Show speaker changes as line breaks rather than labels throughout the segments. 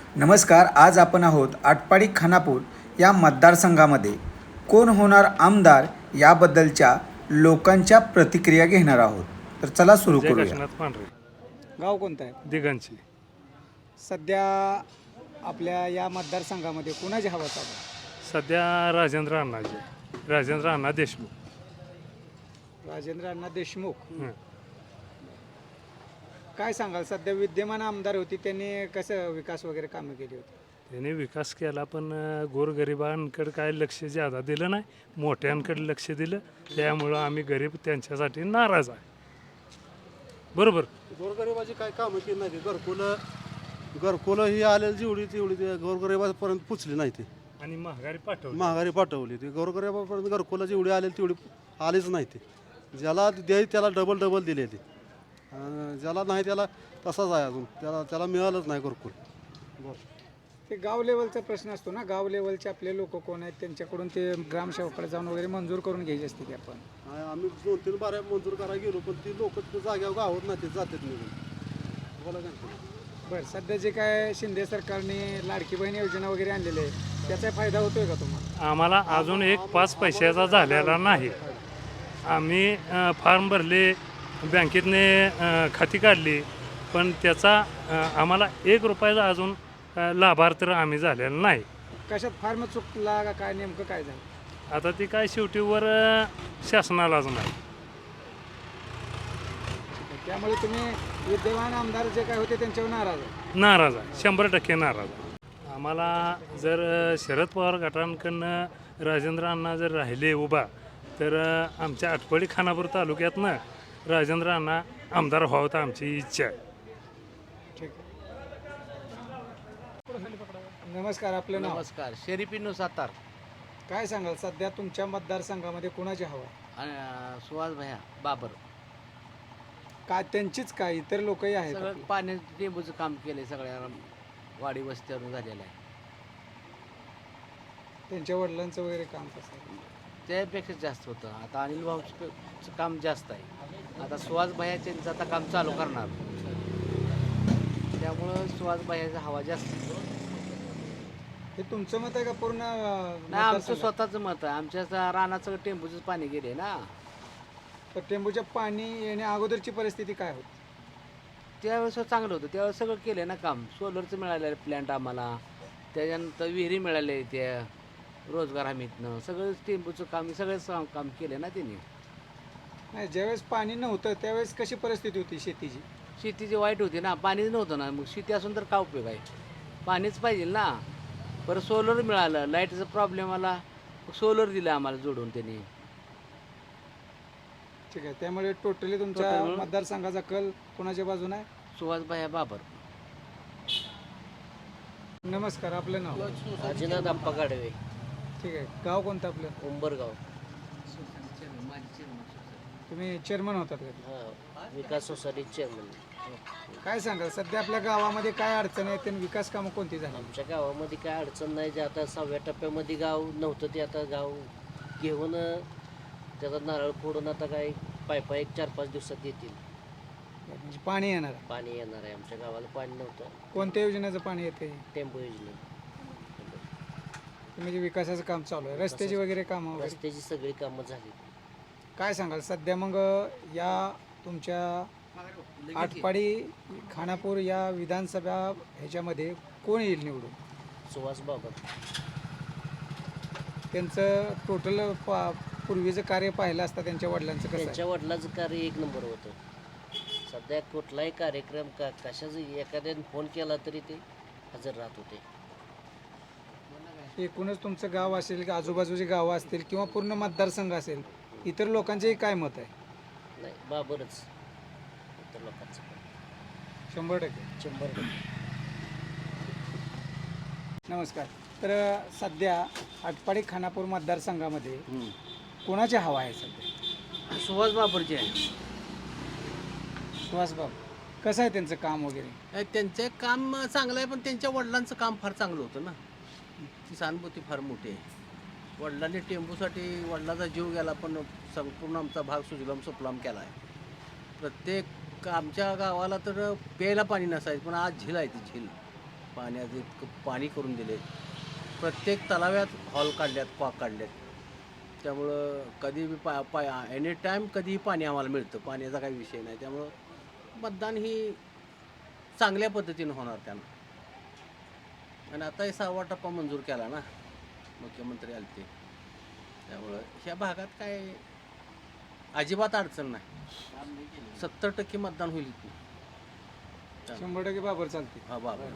नमस्कार. आज आपण आहोत आटपाडी खानापूर या मतदारसंघामध्ये कोण होणार आमदार याबद्दलच्या लोकांच्या प्रतिक्रिया घेणार आहोत. तर चला सुरू
जय
करूया.
काशीनाथ पांढरे
गाव कोणतं आहे?
दिगंची.
सध्या आपल्या या मतदारसंघामध्ये कुणाची हवा चालू आहे?
सध्या राजेंद्र अण्णा देशमुख.
राजेंद्र अण्णा देशमुख.
हं.
काय सांगाल, सध्या विद्यमान आमदार होती, त्यांनी कसं विकास वगैरे कामं केली होती?
त्यांनी विकास केला पण गोरगरिबांकडे काय लक्ष ज्यादा दिलं नाही, मोठ्यांकडे लक्ष दिलं. त्यामुळं आम्ही गरीब त्यांच्यासाठी नाराज आहे. बरोबर.
गोरगरिबाची काय कामं केली नाही घरकुलं ही आलेली जेवढी तेवढी ते गोरगरिबापर्यंत पुचली नाही ते
आणि महागारी
महागारी पाठवली ती गोरगरिबापर्यंत घरकुलं जेवढी आलेली तेवढी आलीच नाही ते. ज्याला द्याय त्याला डबल दिले ते, ज्याला नाही त्याला तसाच आहे अजून, त्याला मिळालंच नाही घरकुल.
ते गाव लेवलचा प्रश्न असतो ना, गाव लेवलचे आपले लोक कोण आहेत त्यांच्याकडून ते ग्रामसेवकाकडे जाऊन वगैरे मंजूर करून घ्यायची असते की आपण.
आम्ही 2-3 बाऱ्या मंजूर करायला गेलो पण ती लोक जाग्यावर गावत नाही ते जातात निघून. बोला काय.
बरं, सध्या जे काय शिंदे सरकारने लाडकी बहीण योजना वगैरे आणलेली आहे, त्याचा फायदा होतोय का तुम्हाला?
आम्हाला अजून एक 5 पैशाचा झालेला नाही. आम्ही फॉर्म भरले, बँकेतने खाती काढली, पण त्याचा आम्हाला 1 रुपयाचा अजून लाभार्थ आम्ही झालेला नाही.
कशात फार्म चुकला का काय, नेमकं काय झालं?
आता ती काय शेवटीवर शासनालाच नाही.
त्यामुळे तुम्ही विद्यमान आमदार जे काय होते त्यांच्यावर नाराज आहे?
नाराज आहे, 100% नाराज आहे. आम्हाला जर शरद पवार गटांकडनं राजेंद्र अण्णा जर राहिले उभा, तर आमच्या आटपाडी खानापूर तालुक्यातनं राजेंद्र अण्णा आमदार व्हावं तर आमची इच्छा आहे.
ठीक आहे. नमस्कार, आपलं नाव?
नमस्कार. शेरीपिनू सातार.
काय सांगाल, सध्या तुमच्या मतदारसंघामध्ये कुणाची हवा आहे?
आणि सुहास भैया बाबर.
काय त्यांचीच काय, इतर लोकही आहेत
सगळं
आपले?
पाणी टेंबूचं काम केलंय, सगळ्या वाडी वस्त्यावरून झालेलं आहे.
त्यांच्या वडिलांचं वगैरे काम कसं आहे?
त्यापेक्षा जास्त होतं. आता अनिल भाऊचं काम जास्त आहे. आता सुहास भैया त्यांचं आता काम चालू करणार, त्यामुळं सुहास भैयाचा हवा जास्त.
हे तुमचं मत आहे का पूर्ण
नाही, आमचं
मतदारसंघात?
स्वतःचं मत आहे. आमच्या रानात सगळं टेंबूचंच पाणी गेले ना.
तर टेंबूच्या पाणी येण्या अगोदरची परिस्थिती काय होती?
त्यावेळेस चांगलं होतं, त्यावेळेस सगळं केलं ना काम. सोलरचं मिळालेलं प्लॅन्ट आम्हाला, त्याच्यानंतर विहिरी मिळाले, त्या रोजगार हमीतनं सगळं टेंबूचं काम, सगळं काम केलं ना त्यांनी.
नाही, ज्यावेळेस पाणी नव्हतं त्यावेळेस कशी परिस्थिती होती शेतीची?
शेतीची वाईट होती ना, पाणीच नव्हतं ना. मग शेती असून तर काय उपयोग आहे? पाणीच पाहिजे ना. परत सोलर मिळालं, लाईटचा प्रॉब्लेम आला, सोलर दिलं आम्हाला जोडून त्यांनी.
ठीक आहे, त्यामुळे टोटली तुमच्या
Total मिळून-
मतदारसंघाचा कल कोणाच्या बाजूने आहे?
सुहास भैया बाबर.
नमस्कार, आपलं नाव?
अजिनाथ अप्पा गाडवे,
ठीक आहे, गाव कोणतं आपलं?
उंबरगाव.
तुम्ही चेअरमन होतात का?
हां, विकास सोसायटी चेअरमन.
काय सांगाल, सध्या आपल्या गावामध्ये काय अडचण आहे आणि विकास कामं कोणती झाली?
आमच्या गावामध्ये काय अडचण नाही. जे आता 6व्या टप्प्यामध्ये गाव नव्हतं ते आता गाव घेऊन त्याचा नारळ फोडून आता काय पायपा 1-4-5 दिवसात येतील.
म्हणजे पाणी येणार आहे.
पाणी येणार आहे. आमच्या गावाला पाणी नव्हतं.
कोणत्या योजनेचं पाणी येते?
टेम्पो योजने,
म्हणजे विकासाचं काम चालू आहे, रस्त्याची वगैरे कामं वगैरे?
रस्त्याची सगळी कामं झाली.
काय सांगाल, सध्या मग या तुमच्या आटपाडी खानापूर या विधानसभा ह्याच्यामध्ये कोण येईल निवडून?
सुहास बाबर.
त्यांचं टोटल पूर्वीचं कार्य पाहिलं असता त्यांच्या वडिलांचं कसं आहे?
त्यांच्या वडिलाचं कार्य 1 नंबर होतं. सध्या कुठलाही कार्यक्रम कशाचं एखाद्याने फोन केला तरी ते हजर राहत होते.
एकूणच तुमचं गाव असेल की आजूबाजूची गावं असतील किंवा पूर्ण मतदारसंघ असेल, इतर लोकांचेही काय मत आहे?
नाही, बाबरच इतर लोकांचं
100%.
100%.
नमस्कार. तर सध्या आटपाडी खानापूर मतदारसंघामध्ये कोणाची हवा आहे सध्या?
सुहास बाबरचे आहे.
सुहासबाब, कसं आहे त्यांचं काम वगैरे?
त्यांचं काम चांगलं आहे, पण त्यांच्या वडिलांचं काम फार चांगलं होतं ना. ती सहानुभूती फार मोठी आहे. वडिलांनी टेंबूसाठी वडिलांचा जीव गेला, पण संपूर्ण आमचा भाग सुजलाम सुफलाम केला आहे. प्रत्येक आमच्या गावाला तर प्यायला पाणी नसायचं, पण आज झील आहे ती झील. पाण्याचं इतकं पाणी करून दिले. प्रत्येक तलाव्यात हॉल काढल्यात, कॉक काढल्यात. त्यामुळं कधी बी एनी टाईम कधीही पाणी आम्हाला मिळतं, पाण्याचा काही विषय नाही. त्यामुळं मतदान ही चांगल्या पद्धतीनं होणार त्यांना. आणि आता हे 6वा टप्पा मंजूर केला ना, मुख्यमंत्री आले ते. त्यामुळं ह्या भागात काय अजिबात अडचण नाही. 70% मतदान होईल इथून.
100% बाबर चालते.
हा बाबा.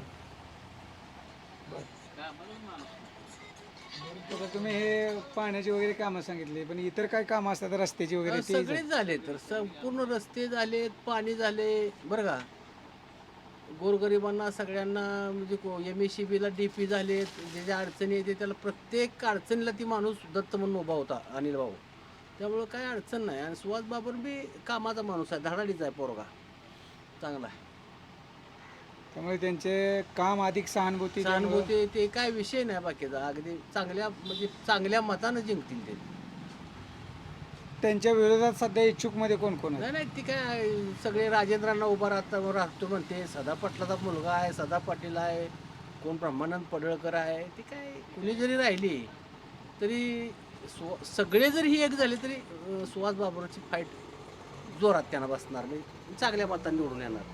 आता तुम्ही हे पाण्याची वगैरे कामं सांगितली, पण इतर काय कामं असतात रस्त्याची वगैरे ते
सगळेच झाले तर संपूर्ण रस्ते झालेत, पाणी झाले बरं का. गोरगरिबांना सगळ्यांना म्हणजे MSCBला DP झालेत. जे ज्या अडचणी येते त्याला प्रत्येक अडचणीला ती माणूस दत्त म्हणून उभा होता, अनिल भाऊ. त्यामुळं काय अडचण नाही. आणि सुहास बाबर बी कामाचा माणूस आहे, धडाडीचा आहे पोरगा, चांगला आहे.
त्यामुळे त्यांचे काम अधिक सहानुभूती
सहानुभूती ते काय विषय नाही बाकीचा. अगदी चांगल्या म्हणजे चांगल्या मतानं जिंकतील ते.
त्यांच्या विरोधात सध्या इच्छुकमध्ये कोण कोण आहे?
नाही नाही, ती काय सगळे राजेंद्रांना उभा राहतो म्हणते. सदा पाटलाचा मुलगा आहे, सदा पाटील आहे, कोण ब्रह्मानंद पडळकर आहे. ती काय कुणी जरी राहिली तरी सगळे जरी ही एक झाले तरी सुहास बाबरची फाईट जोरात त्यांना बसणार, म्हणजे चांगल्या मतांनी निवडून येणार.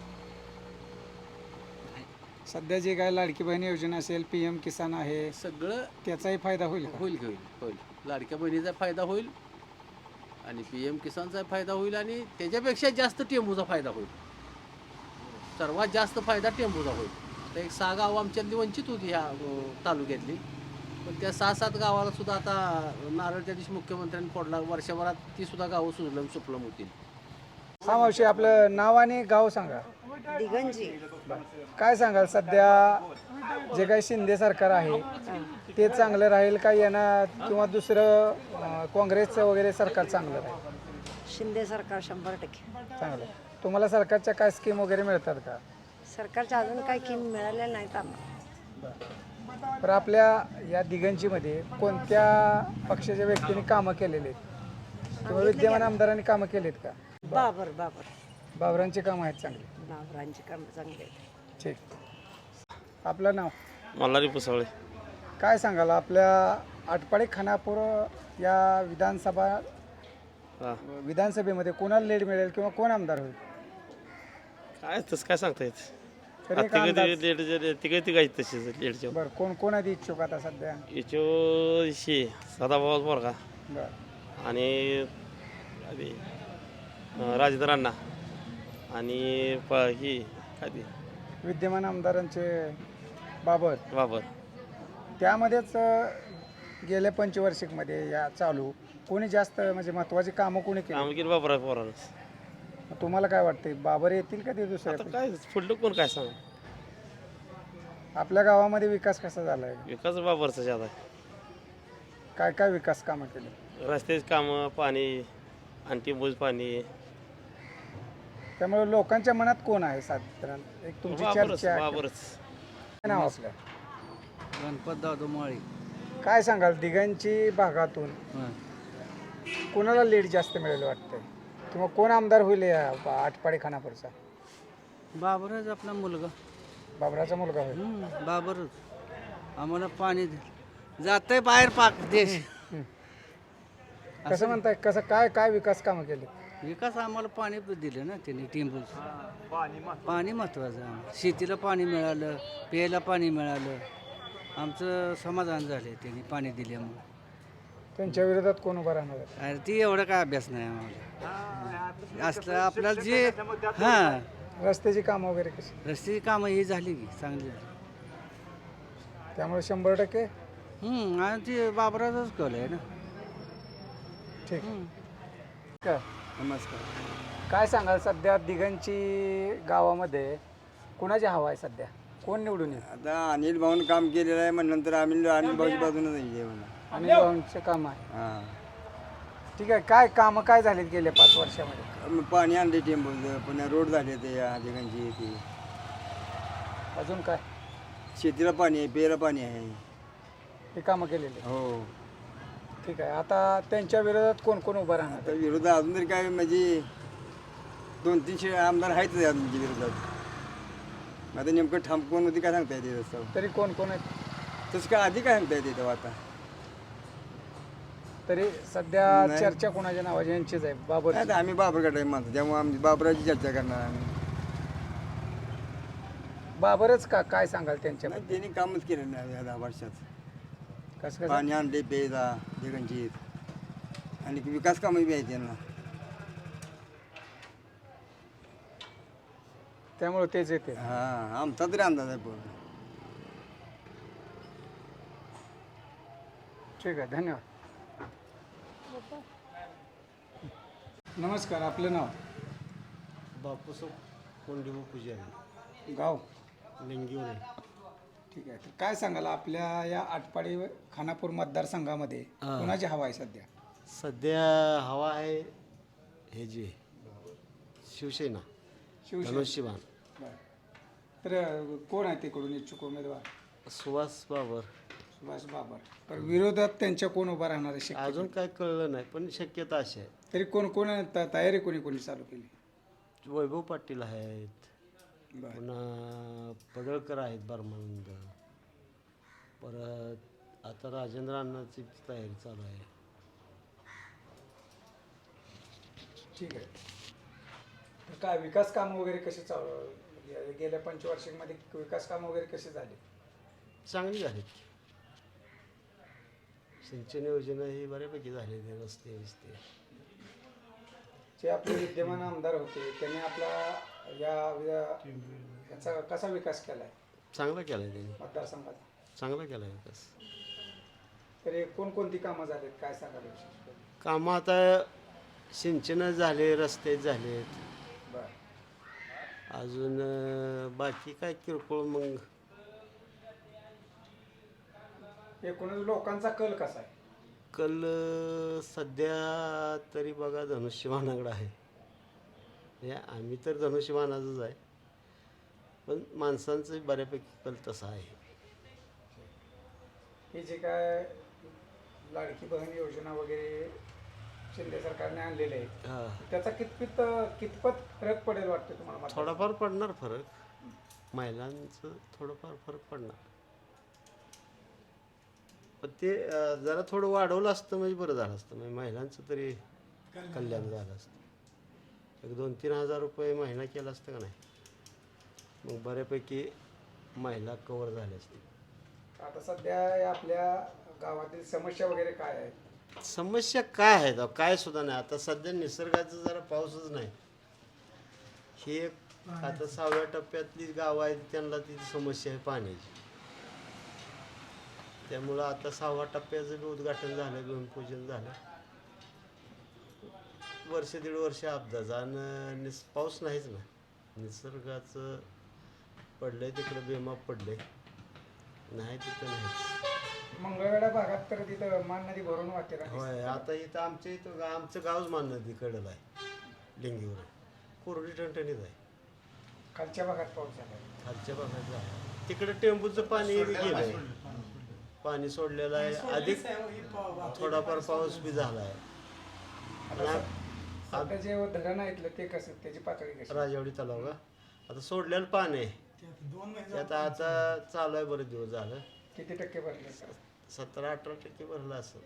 सध्या जे काय लाडकी बहीण योजना असेल, PM किसान आहे,
सगळं
त्याचाही फायदा होईल का?
होईल होईल होईल. लाडक्या बहिणीचा फायदा होईल आणि PM किसानचा फायदा होईल आणि त्याच्यापेक्षा जास्त टेंबूचा फायदा होईल. सर्वात जास्त फायदा टेंबूचा होईल. तर एक 6 गावं आमच्यातली वंचित होती ह्या तालुक्यातली, पण त्या 6-7 गावाला सुद्धा आता नारळ त्या दिवशी मुख्यमंत्र्यांनी फोडला. वर्षभरात ती सुद्धा गावं सुजलम सुफलम होतील.
हा मावशी, आपलं नाव आणि गाव सांगा.
दिगंजी.
काय सांगाल सध्या जे काही शिंदे सरकार आहे ते चांगलं राहील का येणार, किंवा दुसरं काँग्रेसचं वगैरे सरकार चांगलं राहील?
शिंदे सरकार 100%
चांगलं. तुम्हाला सरकारच्या काय स्कीम वगैरे मिळतात का?
सरकारच्या अजून काही किम मिळालेल्या नाहीत आम्हाला.
तर आपल्या या दिगंजीमध्ये कोणत्या पक्षाच्या व्यक्तींनी कामं केलेली आहेत किंवा विद्यमान आमदारांनी कामं केलीत का?
बाबर
बाबरांची कामं आहेत चांगली.
बाबरांची कामं चांगली आहेत.
ठीक. आपलं नाव?
मल्हारी पुसवळे.
काय सांगाल आपल्या आटपाडी खानापूर या विधानसभेमध्ये कोणाला लीड मिळेल किंवा कोण आमदार होईल?
काय तसं काय सांगता येत.
तरी एक अंदाज.
तिघे तिघायची तशीच लेडच्या
बरं, कोण कोण आधी इच्छुक आता सध्या?
याचो सदाभाऊ बोरगा
बरं.
आणि राजेंद्र अण्णा आणि ही काय ती
विद्यमान आमदारांचे बाबर.
बाबर.
त्यामध्येच गेल्या पंचवार्षिकमध्ये या चालू कोणी जास्त म्हणजे महत्त्वाची कामं कोणी केली?
काम केली बाबर पोरानंच.
तुम्हाला काय वाटतं, बाबर येतील का ते
आता
दुसऱ्या?
काय पुढलं कोण काय सांग.
आपल्या गावामध्ये विकास कसा झाला आहे?
विकास बाबरचा ज्यादा आहे.
काय काय विकास कामं केली?
रस्त्याची कामं, पाणी आणि टिंबूज पाणी.
त्यामुळे लोकांच्या मनात कोण आहे साधारण? एक तुमची
बाबरच
चर्चा.
बाबरच.
काय नाव आपलं?
गणपत दादू माळी.
काय सांगाल दिघांची भागातून कोणाला लीड जास्त मिळेल वाटतंय, किंवा कोण आमदार होईल या आटपाडी खानापूरचा?
बाबरच आपला मुलगा.
बाबराचा मुलगा होईल.
बाबरच आम्हाला पाणी जातंय बाहेर पाक देश.
कसं म्हणताय, कसं काय काय विकास कामं केली?
विकास आम्हाला पाणी दिलं ना त्यांनी टिंबूच. पाणी महत्वाचं आहे. शेतीला पाणी मिळालं, प्यायला पाणी मिळालं, आमचं समाधान झालं त्यांनी पाणी दिल्यामुळे.
त्यांच्या विरोधात कोण उभं राहणार आहे?
अरे ती एवढा काय अभ्यास नाही आम्हाला. असलं आपल्याला जे हां
रस्त्याची कामं वगैरे कशी?
रस्त्याची कामं ही झाली की चांगली झाली.
त्यामुळे 100%
आणि ते बाबराचाच कल आहे ना.
ठीक. काय
नमस्कार.
काय सांगाल सध्या दिघांची गावामध्ये कुणाची हवा आहे सध्या? कोण निवडून येईल?
आता अनिल भाऊन काम केलेलं आहे म्हणल्यानंतर आम्ही अनिल भाऊच्या बाजूनच आहे म्हणा.
अनिल भाऊंचं काम आहे.
हां.
ठीक आहे. काय कामं काय झालीत गेल्या 5 वर्षामध्ये?
पाणी आणले टेम्पोचं, पुन्हा रोड झाले ते या ठिकाणची ती.
अजून काय?
शेतीला पाणी आहे, प्यायला पाणी आहे.
हे कामं केलेले.
हो.
ठीक आहे. आता त्यांच्या विरोधात कोण कोण उभं राहणार?
आता विरोधात अजून तरी काय म्हणजे 200-300 आमदार आहेतच या तुमच्या विरोधात. आता नेमकं ठाम कोण होती काय सांगता येते तसं.
तरी कोण कोण आहेत
तसं काय आधी काय सांगता येते तेव्हा आता.
तरी सध्या
नाही.
चर्चा कोणाच्या नावाची यांचीच आहे बाबर
आता आम्ही बाबर गटाची माणसं त्यामुळे आम्ही बाबराची चर्चा करणार आम्ही.
बाबरच का काय सांगाल त्यांच्या
नाही, त्यांनी कामच केलं नाही या 10 वर्षात.
कसं कसं
पाणी आणले पेजा जगनजीत आणि विकास कामं बी आहेत त्यांना.
त्यामुळे तेच येते
हां आमचा तरी अंदाज आहे पूर्ण.
ठीक आहे धन्यवाद. नमस्कार आपलं नाव
बापूसाहेब कोंडीबा पुजारी
गाव
लिंगीवर.
ठीक आहे तर काय सांगाल आपल्या या आटपाडी खानापूर मतदारसंघामध्ये कोणाची हवा आहे सध्या?
सध्या हवा आहे हे जी शिवसेना धनुष्यबाण
बरं. तर कोण आहे तिकडून इच्छुक उमेदवार?
सुभाष बाबर.
सुभाष बाबर. तर विरोधात त्यांच्या कोण उभा राहणार आहे शक्यतो?
अजून काय कळलं नाही पण शक्यता अशी आहे.
तरी कोण कोण तयारी कोणी कोणी चालू केली?
वैभव पाटील आहेत,
बरं.
पुन्हा पडळकर आहेत बर्मानंद, परत आता राजेंद्र अण्णाची तयारी चालू आहे.
ठीक आहे. तर काय विकास काम वगैरे कसे चालू गेल्या पंचवार्षिकमध्ये विकास काम वगैरे कसे झाले?
चांगली आहेत. सिंचन योजना ही बऱ्यापैकी झालेली, रस्ते बिस्ते.
जे आपले विद्यमान आमदार होते त्यांनी आपला याचा कसा विकास केला आहे
चांगला केला आहे त्यांनी,
मतदारसंघात?
चांगला केला आहे विकास.
तरी कोणकोणती कामं झालीत काय सांगाल?
कामं आता सिंचन झाले, रस्ते झालेत,
बरं.
अजून बाकी काय किरकोळ मग.
एकूणच लोकांचा कल कसा आहे?
कल सध्या तरी बघा धनुष्यबाणाकडे आहे. हे आम्ही तर धनुष्यबाणाचंच आहे, पण माणसांचं बऱ्यापैकी कल तसा आहे.
हे जे काय लाडकी बहीण योजना वगैरे शिंदे सरकारने आणलेले आहेत
हां,
त्याचा कितपत फरक पडेल वाटतं तुम्हाला?
थोडाफार पडणार फरक, महिलांचं थोडंफार फरक पडणार. पण ते जरा थोडं वाढवलं असतं म्हणजे बरं झालं असतं, म्हणजे महिलांचं तरी कल्याण झालं असतं. एक 2-3 हजार रुपये महिना केला असतं का नाही, मग बऱ्यापैकी महिला कवर झाल्या असतील.
आता सध्या या आपल्या गावातील समस्या वगैरे काय आहेत?
समस्या काय आहेत? काय सुद्धा नाही. आता सध्या निसर्गाचं जरा पाऊसच नाही. ही एक आता 6व्या टप्प्यातली गावं आहेत त्यांना ती समस्या आहे पाण्याची. त्यामुळं आता 6व्या टप्प्याचं बी उद्घाटन झालं, भूमिपूजन झालं. वर्ष 1.5 वर्ष अपघात आणि पाऊस नाहीच ना. निसर्गाचं पडलंय तिकडं बेमाप पडलंय, नाही तिथं नाहीच.
मंगळवेढा भागात तर तिथं मान नदी भरून वाहते ना?
होय, आता इथं आमच्या इथं आमचं गावच मान नदीकडलं आहे, लिंगीवर. कोरडी टणटणीत आहे.
खालच्या भागात पाऊस झाला?
खालच्या भागात आहे तिकडं टेंबूचं पाणी गेलंय, पाणी सोडलेलं आहे. अधिक थोडाफार पाऊस बी झाला आहे.
आता जे धरण आहे ते कसं, त्याची पातळी कशी?
राजवाडी तलाव का आता सोडलेलं पाणी आहे त्यात आता चालू आहे, बरेच दिवस झालं.
किती टक्के भरले?
17-18% भरलं असं.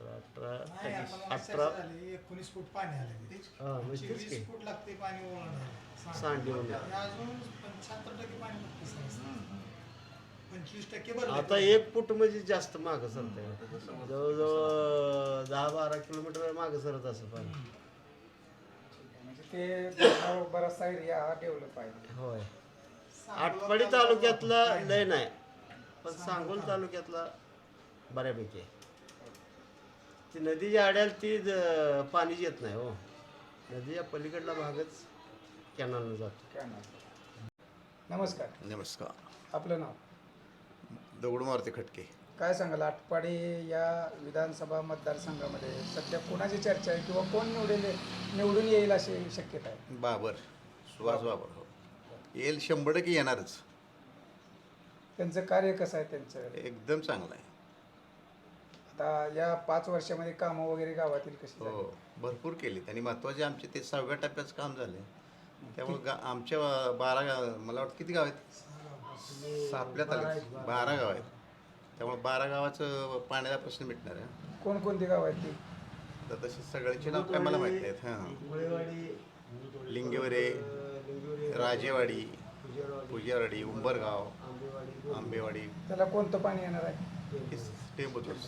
17-18
19 फूट पाणी आले.
हां, म्हणजे तेच
20 फूट लागते पाणी ओलांडायला.
सांडली होऊन
अजून 75% पाणी लागतं. 25% भरलं.
आता 1 फूट म्हणजे जास्त मागं सरत आहे. जवळजवळ 10-12 किलोमीटर मागं सरत असं पाणी.
म्हणजे ते बराचसा एरिया हा डेव्हलप आहे.
होय. आटपाडी तालुक्यातला लय नाही, पण सांगोल तालुक्यातला बऱ्यापैकी आहे. ती नदीच्या आड्याला ती पाणीच येत नाही हो. नदीच्या पलीकडला भागच कॅनलनं जातो.
नमस्कार.
नमस्कार.
आपलं नाव?
दगडू मारुती खटके.
काय सांगाल आटपाडी या विधानसभा मतदारसंघामध्ये सध्या कोणाची चर्चा आहे किंवा कोण निवडून येईल अशी शक्यता आहे?
बाबर, सुभाष बाबर. हो, येईल, 100% येणारच.
त्यांचं कार्य कसं आहे त्यांचं?
एकदम चांगलं आहे.
आता या 5 वर्षामध्ये कामं वगैरे गावातील कशी झाली?
हो, भरपूर केलीत आणि महत्त्वाचे आमचे ते 6व्या टप्प्याचं काम झालं. त्यामुळे आमच्या 12 मला वाटतं किती गाव आहेत? आपल्या तालुक्यात 12 गाव आहेत, त्यामुळे 12 गावाचं पाण्याचा प्रश्न मिटणार आहे.
कोणकोणती गाव आहेत ती?
तर तशी सगळ्यांची नाव काय मला माहीत नाहीत. हां, लिंगेवरे, राजेवाडी, पुजारवाडी, उंबरगाव, आंबेवाडी,
त्याला कोणतं पाणी येणार आहे?
टेंबूतच.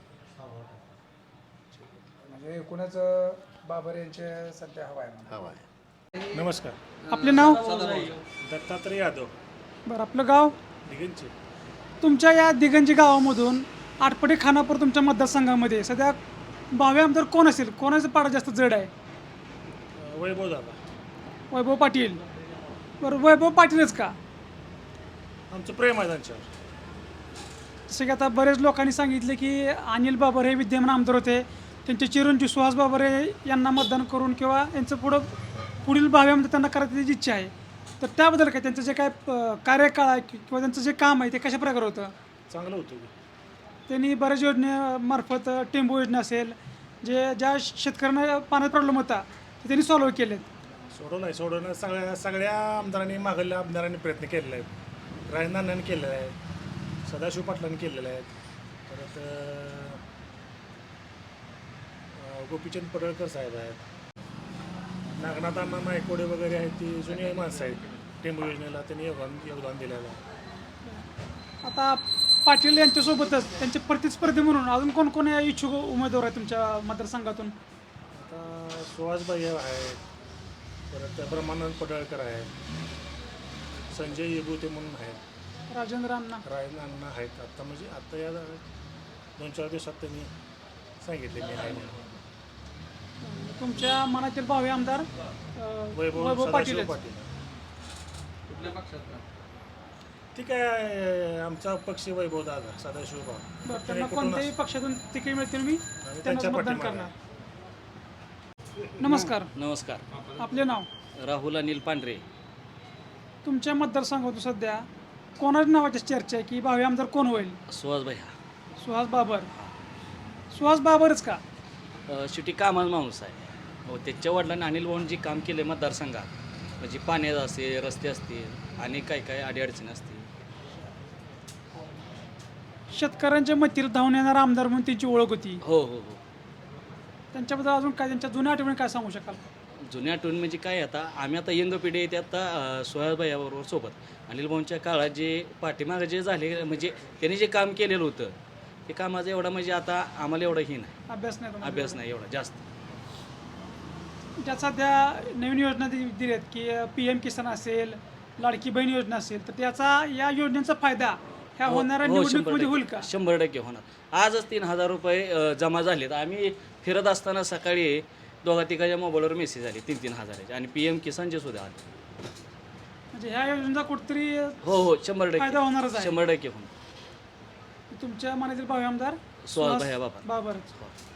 म्हणजे एकूणच बाबर यांचे सध्या हवा आहे म्हणा.
हवा आहे.
नमस्कार.
आपले नाव?
दत्तात्रय यादव,
बरं, आपलं गाव?
दिगंची.
तुमच्या या दिगंजी गावामधून आटपाडी खानापूर तुमच्या मतदारसंघामध्ये सध्या भावी आमदार कोण असेल? कोणाचं पाडा जास्त जड आहे?
वैभव दादा.
वैभव पाटील. बरं, वैभव पाटीलच का?
आमचं प्रेम आहे त्यांच्यावर.
जसं की आता बरेच लोकांनी सांगितले की अनिल बाबर हे विद्यमान आमदार होते, त्यांचे चिरंजीव सुहास बाबर यांना मतदान करून किंवा यांचं पुढील भावी आमदार त्यांना करायची त्याची इच्छा आहे. तर त्याबद्दल काय त्यांचं जे काय कार्यकाळ आहे किंवा त्यांचं जे काम आहे ते कशा प्रकारे होतं?
चांगलं होतं.
त्यांनी बऱ्याच योजनेमार्फत टेंबू योजना असेल, ज्या शेतकऱ्यांना पाण्यात प्रॉब्लेम होता ते त्यांनी सॉल्व्ह केलेत.
सोडवणं सगळ्या आमदारांनी, मागल्या आमदारांनी प्रयत्न केलेला आहे. राजनारायणांनी केलेला आहे, सदाशिव पाटलांनी केलेलं आहे, परत गोपीचंद पडळकर साहेब आहेत, नागनाथ अण्णा नायकोडे वगैरे आहेत, ती जुनी माणसं आहेत. टेंबू योजनेला त्यांनी योगदान दिलेलं आहे.
आता पाटील यांच्यासोबतच त्यांचे प्रतिस्पर्धी म्हणून अजून कोण कोण इच्छुक उमेदवार आहेत तुमच्या मतदारसंघातून?
आता सुहासबाई आहेत, परत ब्रह्मानंद पडळकर आहेत, संजय येबुते म्हणून आहेत,
राजेंद्र अण्णा
अण्णा आहेत. आता म्हणजे आता या 2-4 दिवसात त्यांनी सांगितले मी आहे म्हणून.
तुमच्या मनातील भावी आमदार वैभव पाटील.
कुठल्या पक्षात? ठीक आहे, आमचा पक्ष वैभव दादा, सदाशिव भाऊ.
बरं, त्यांना कोणत्याही पक्षातून तिकीट मिळतील मी त्यांना मतदान करणार. नमस्कार.
नमस्कार.
आपले नाव?
राहुल अनिल पांढरे.
तुमच्या मतदारसंघातून सध्या कोणाच्या नावाची चर्चा आहे की भावी आमदार कोण होईल?
सुहास भैया.
सुहास बाबर. सुहास बाबरच का?
शेवटी कामाचा माणूस आहे. त्याच्या वडिलांनी अनिल भाऊन जे काम केले मतदारसंघात, म्हणजे पाण्याचं असेल, रस्ते असतील आणि काय अडीअडचणी असतील.
शेतकऱ्यांच्या मतीला धावून येणारा आमदार म्हणून त्यांची ओळख होती.
हो हो हो.
त्यांच्याबद्दल अजून काय, त्यांच्या जुन्या आठवणी काय सांगू शकाल?
जुन्या आठवणी म्हणजे काय, आता आम्ही आता यंग पिढी येते आता सुहास भैयाबरोबर सोबत. अनिल भाऊंच्या काळात जे पाठीमागं जे झाले, म्हणजे त्यांनी जे काम केलेलं होतं ते कामाचं एवढा म्हणजे आता आम्हाला एवढं ही नाही,
अभ्यास नाही तुम्हाला?
अभ्यास नाही एवढा जास्त.
ज्या सध्या नवीन योजना दिली आहेत की PM किसान असेल, लाडकी बहीण योजना असेल, तर त्याचा या योजनेचा फायदा ह्या होणाऱ्या निवडणुकीमध्ये होईल का?
100% होणार. आजच 3,000 रुपये जमा झालेत. आम्ही फिरत असताना सकाळी 2-3 मोबाईलवर मेसेज आले 3-3 हजाराचे, आणि PM किसानचे सुद्धा आले.
म्हणजे ह्या योजनेचा कुठेतरी
हो 100%
फायदा होणारच आहे.
100% होणार.
तुमच्या मनातील भावी आमदार
सुहास भैया बाबर.
बाबरच.